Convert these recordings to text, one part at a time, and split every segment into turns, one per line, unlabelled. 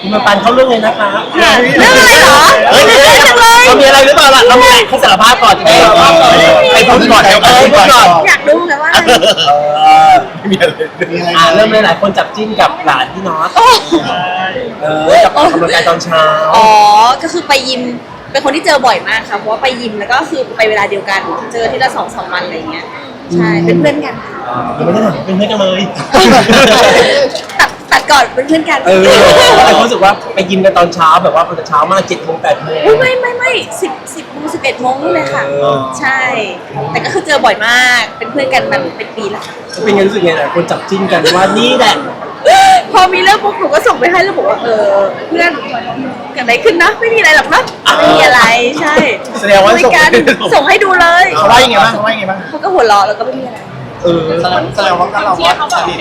มาปันเข้าเรื่องเลยนะคะ
เรื่องอะไรเหรอเรื่องอะไรจังเลย
เรามีอะไรหรือเปล่าล่ะเรามีให้สารภาพก่อนไอ้พูดก่อนไอ้พูดก่อน
อยากรู้แต่ว่า
ไม่มีอะไร
เริ่มเลยหลายคนจับจิ้นกับหลานพี่น็อตกับออกกำลังกายตอนเช้า
อ๋อก็คือไปยิมเป็นคนที่เจอบ่อยมากค่ะเพราะว่าไปยิมแล้วก็คือไปเวลาเดียวกันเจอที่ละ2-3 วันอะไรเงี้ยใช่เป็นเพื่อนกันค่ะ
ยังไม่ได้เป็นเพื่อนกันเลย
ตัดก่อนเป็นเพื่อนกัน
แต่รู้สึกว่าไปยิมกันตอนเช้าแบบว่าตอนเช้ามาก7 โมง 8 โมง
ไม่10 โมง 11 โมงเลยค่ะใช่ แต่ก็คือเจอบ่อยมากเป็นเพื่อนกันมันเป็นปีแล้วค่ะ
เป็นไงรู้สึกไงหลายคนจับจิ้นกันว่านี่แหละ
พอมีเรื่องปุ๊บหนูก็ส่งไปให้แล้วบอกว่าเพื่อนเกิดอะไรขึ้นนะไม่มีอะไรหรอกนะไม่มีอะไรใช่
แสดงว่า
คุยกันส่งให้ดูเลย
เขาว่ายังไงบ้างเขาว่ายังไงบ้าง
เขาก็หัวเราะแล้วก็ไม่มีอะไร
แสดงว่าเราว่าสนิท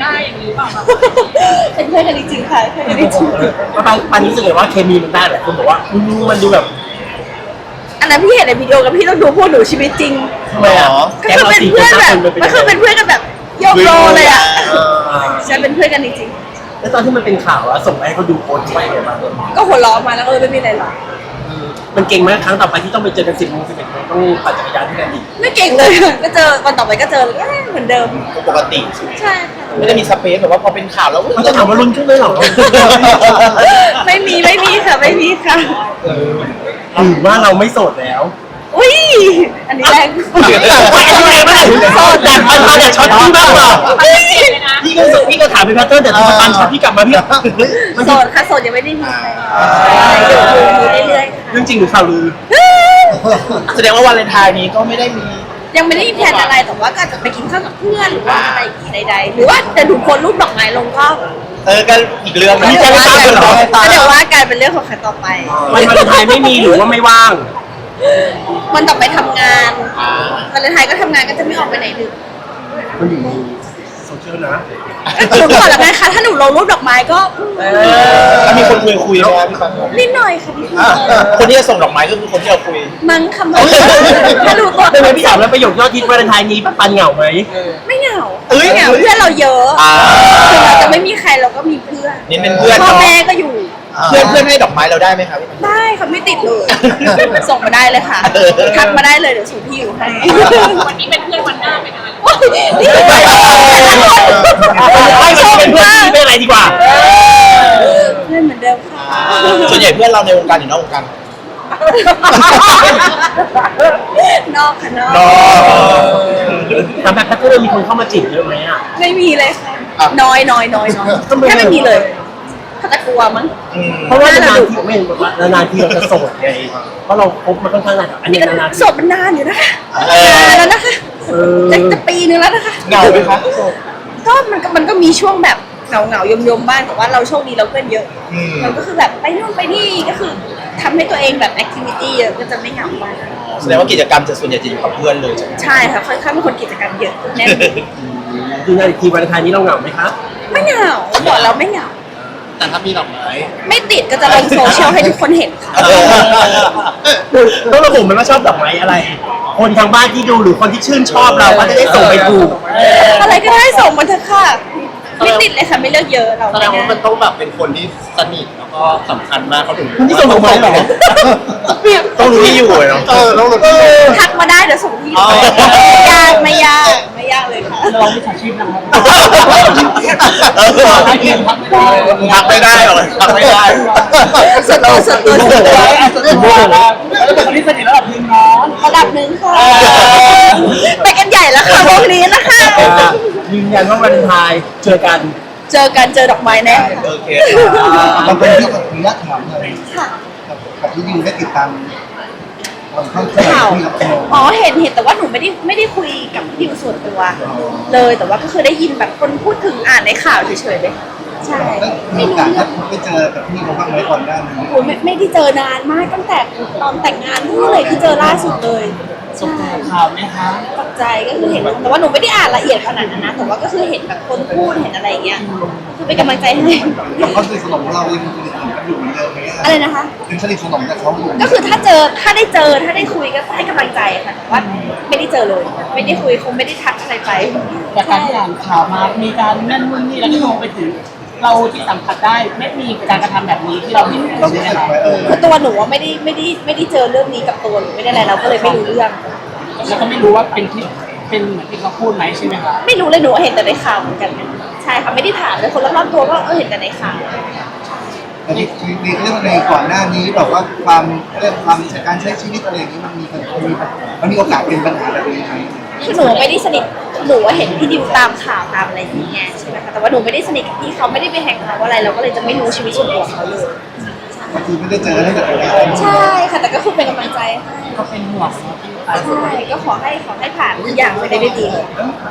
เป็นเพื่อนกันจริงๆค่ะเพื่อนกันจริง
ปันรู้สึกเลยว่าเคมีมันได้แหละคนบอกว่ามันดูแบบ
ๆอันนั้นพี่เห็นในวิดีโอกับพี่ต้องดูพวกหนูชีวิตจริง
ทำไมอ่ะ
ก็คือเป็นเพื่อนแบบก็คือเป็นเพื่อนกันแบบโยกโลเลยอ่ะใช่เป็นเพื่อนกันจริง
แล้วตอนที่มันเป็นข่าวแล้วส่งไปให้เขาดูโพสต์ไว้ไงบ้าง
ๆก็หัวเราะมาแล้วไม่มีอะไรหรอก
มันเก่งไหมครั้งต่อไปที่ต้องไปเจอกัน10 โมง 11 โมงต้องปั่นจักรยานที่กันอีก
ไม่เก่งเลยก็เจอวันต่อไปก็เจอเหมือนเดิม
ปกติ
ใช่ค่ะ
ไม่ได้มีสเปซแบบว่าพอเป็นข่าวแล้ว
มันจะถามว่ารุนขึ้นเลยเหรอ
ไม่มีค่ะไม่มีค่ะ
หรือว่าเราไม่โสดแล้ว
อุ้ยอันนี้แรง
โสดแต่ปันอยากช็อตพี่บ้างเหรอพี่ก็ถามเป็นแพทเทิร์นแต่ปันช็อตพี่กลับมาพี่
โสดค่ะโสดยังไม่ได้มีใครอยู่เรื่อยๆ
เรื่องจริงหรือข่าวลือ
แสดงว่าวันเลนไทน์นี้ก็ไม่ได้มี
ยังไม่ได้มีแพลนอะไรแต่ว่าก็อาจจะไปกินข้าวกับเพื่อนหรือว่าอะไรอย่างงี้ใดๆหรือว่าจะดูคนรูปดอกไม้ลงก็
ก็อีกเรื่องนึง
เดี๋ยวว่ากันเดี๋ยวว่ากันเป็นเรื่องของใครต่อไป
วันวาเลนไทน์ไม่มีหรือว่าไม่ว่าง
วันต่อไปทำงานวันเลนไทน์ก็ทำงานก็จะไม่ออกไปไหนดึก
มันอยู่ในโซเชียลนะ
หนูบอกแล้วไงคะถ้าหนูลงรูปดอกไม้ก็
ถ้ามีคนคุยนะพี่ปัง
นิดหน่อยค่ะนิดหน่อย
คนที่จะส่งดอกไม้ก็คือคนที่เราคุย
มั้งคำว่าถ้าดูตัว
เป็นไงพี่ถามแล้วประโยคยอดฮิตวาเลนไทน์นี้ปันเหงาไหม
ไม่เหงา
เอ้ย
ไม่เหงาเพื่อนเราเยอะถึงเราจะไม่มีใครเราก็มีเพื่อน
นี่เป็นเพื่อน
พ่อ
เนาะ
แม่ก็อยู่
เพื่อนให้ดอกไม้เราได้ไหมครับพี่ปัง
ได้ค่ะไม่ติดเลย ส่งมาได้เลยค่ะ ทักมาได้เลยเดี๋ยวส่งที่อยู่ให้
วันนี้เป็นเพื่อนวันหน้าเป็นอะไร
นี่ไม่
ไม่ชอบเป็นเพื่อนที่ไม่อะไรดีกว่า
เพื่อนเหมือนเดิมค่ะ
ส่วนใหญ่เพื่อนเราในวงการหรือนอกวงการ
นอกค่ะนอก
ถามแบบแพทเทิร์นมีคนเข้ามาจีบเยอะไหมอ่ะ
ไม่มีเลยค่ะน้อยแค่ไม่มีเลยเขาจะกลัวมั้ง
เพราะว่านานๆทีไม่เห็นแบบว่านานๆทีเราจะโสดไงเพราะเราคบมาค่อนข้างนานอันนี้นานๆ
โสดมันนานอยู่นะคะนานแล้วนะคะจะปีนึงแล้วนะคะ
เหงาไหมคะ
ก็มันก็มีช่วงแบบเหงายมบ้างแต่ว่าเราโชคดีเราเพื่อนเยอะมันก็คือแบบไปนู่นไปนี่ก็คือทำให้ตัวเองแบบแอคทิวิตี้เยอะก็จะไม่เหงามาก
แสดงว่ากิจกรรมจะส่วนใหญ่จะอยู่กับเพื่อนเลยใช่ไหม
ใช่ค่ะค่อนข้างเป็นคนกิจกรรมเยอะแน่น
ดูงานอีกทีวาเลนไทน์นี้เราเหงาไหมครับ
ไม่เหงาบอกเราไม่เหงา
แต่ถ้ามีดอกไม้
ไม่ติดก็จะลงโซเชียลให้ทุกคนเห็นค่ะ
ต้องระบุไหมว่าชอบดอกไม้อะไร คนทางบ้านที่ดูหรือคนที่ชื่นชอบเราก็จะได้ส่งไปถูก
อะไรก็ได้ส่งมาเถอะค่ะไม่ติดเลยค่ะไม่เลือกเยอะเรา
แสดงว่ามันต้องแบบเป็นคนที่สนิทแล้วก็สำคัญมากเขาถึง
คนที่ส่งดอกไม้เหรอ
ต้องรู้ที่อยู่เนาะต้องรู้
ทักมาได้เดี๋ยวส่งที่อยู่ไม่ยากเลยค่ะ
เราไม่ฉาชีพนะครับ
ทักไม่ได้หรอทักไม่ได้
ส่วนตัว
คนที่สนิทระดับนึงเนาะ
ระดับหนึ่งค่ะไปกันใหญ่แล้วค่ะวงนี้นะคะ
ยืนยันว่าวาเลนไทน์เจอกัน
เจอดอกไม้แน่ค่ะ
โอเค
มันเป็นที่กับคุณยักษ์ถามเลย
ค่ะ
กับที่ยิงได้ติดตามความเข้าใจ
ข่าว
ที่เราเป็น
อ๋อเห็นแต่ว่าหนูไม่ได้คุยกับพี่ดิวส่วนตัวเลยแต่ว่าก็คือได้ยินแบบคนพูดถึงอ่านในข่าวเฉยๆเลยใช่
ได้มีโอกาสได้เจอกับพี่เขาบ้างไหมก่อนหน้านี้
โอ้ไม่ได้เจอนานมากตั้งแต่ตอนแต่งงานนู่นเลยที่เจอล่าสุดเลยใช่
ข่าวไหมคะ
ตกใจก็คือเห็นแต่ว่าหนูไม่ได้อ่านละเอียดขนาดนั้นนะแต่ว่าก็คือเห็นแบบคนพูดเห็นอะไรอย่างเงี้ยคือเป็นกำลังใจให้
กับเขาสนิทสนมเรายังสนิทสนมกันอยู่เหมือนเดิมไหม
อะไรนะคะ
ยังสนิทสนมกับเขาอยู่
ก็คือถ้าได้คุยก็ให้กำลังใจค่ะแต่ว่าไม่ได้เจอเลย ไม่ได้คุยคงไม่ได้ทักอะไรไป
จากการที่อ่านข่าวมา มีการนั่นนู่นนี่แล้วก็โยงไปถึง
เราที่สัมผัสได้ไม่มีการกระทำแบบนี้ที่เราเห็น
เรารู้สึกไหม
คือตัวหนูว่าไม่ได้เจอเรื่องนี้กับตัวหนูไม่ได้อะไรเราก็เลยไม่รู้เรื่อง
แล้วก็ไม่รู้ว่าเป็นที่เป็นเหมือนที่เขาพูดไหมใช่ไหมคะ
ไม่รู้เลยหนูเห็นแต่ในข่าวเหมือนกันใช่ค่ะไม่ได้ถามเลยคนรอบๆตัวก็เห็นแต่ในข่าว
แต่ในเรื่องในก่อนหน้านี้แบบว่าความเรื่องความการใช้ชีวิตอะไรอย่างนี้มันมีโอกาสเป็นปัญหาแบบนี้ไหม
คือหนูไม่ได้สนิทหนูเห็นพี่ดิวตามข่าวตามอะไรอย่างเงี้ยใช่ไหมคะแต่ว่าหนูไม่ได้สนิทกับพี่เขาไม่ได้ไปแฮงเอาท์อะไรเราก็เลยจะไม่รู้ชีวิตส่วนตัวเขาเลย
ก็คือไม่ได้เจอตั้งแต่แรก
ใช่ค่ะแต่ก็คือเป็นกำลังใจให้
ก็เป็นห่วง
ใช่ก็ขอให้ผ่านทุกอย่างไปได้ด้วยดีค่ะ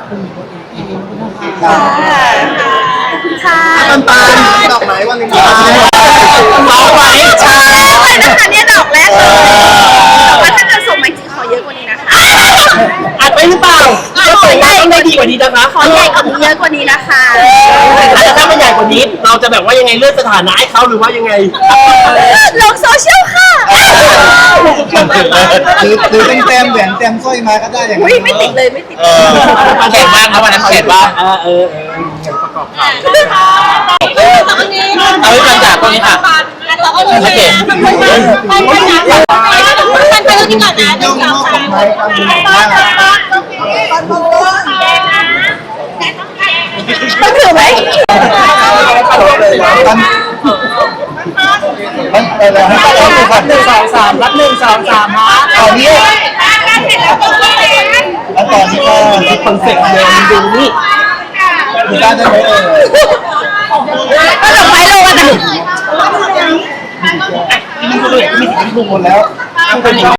ครับ
ค่ะ
ปันดอกไม้วันนี้
เอาไว้ใช่
แรกเลยนะคะเนี่ยดอกแรกเลยแต่ว่าถ้าเกิดส่งมาจริงขอเยอะกว่านี้นะคะ
อัดไปหรือเปล่าก็ส่งได้ไม่ดีกว่านี้นะคะ
ขอใหญ่กว่านี้เยอะกว่านี้นะคะ
แต่ถ้ามันใหญ่กว่านี้เราจะแบบว่ายังไงเลื่อนสถานะให้เขาหรือว่ายังไง
ลงโซเชียลค่ะ
หรือเต็มแหวนเต็มสร้อยมาก็ได้อย่าง
อุ้ย
นี้
ไม่ติดเลยไม่ติด
เข็ดบ้างครับวันนั้นเข็ดบ้าง
ตอนนี้
เอาไว้กันจากตรงนี้ค่ะ
เราก็รู้เลยนะมันไปเรื่องนี้ก่อนนะหนึ่
ย่อง
งสอง
มอบ
สาม
ไม้ความดีมาก
ต้องถือไหม
มันไปแล้วให้เราดูก่อน
1 2 3รับ1 2 3ฮะ
ตอนนี้แล้วตอนนี้ก็
คอนเซ็ปต์เดิมดูนี่
ดูได้ไหม
ก็ดอกไม้โรยนะ
ดูหมดแล้ว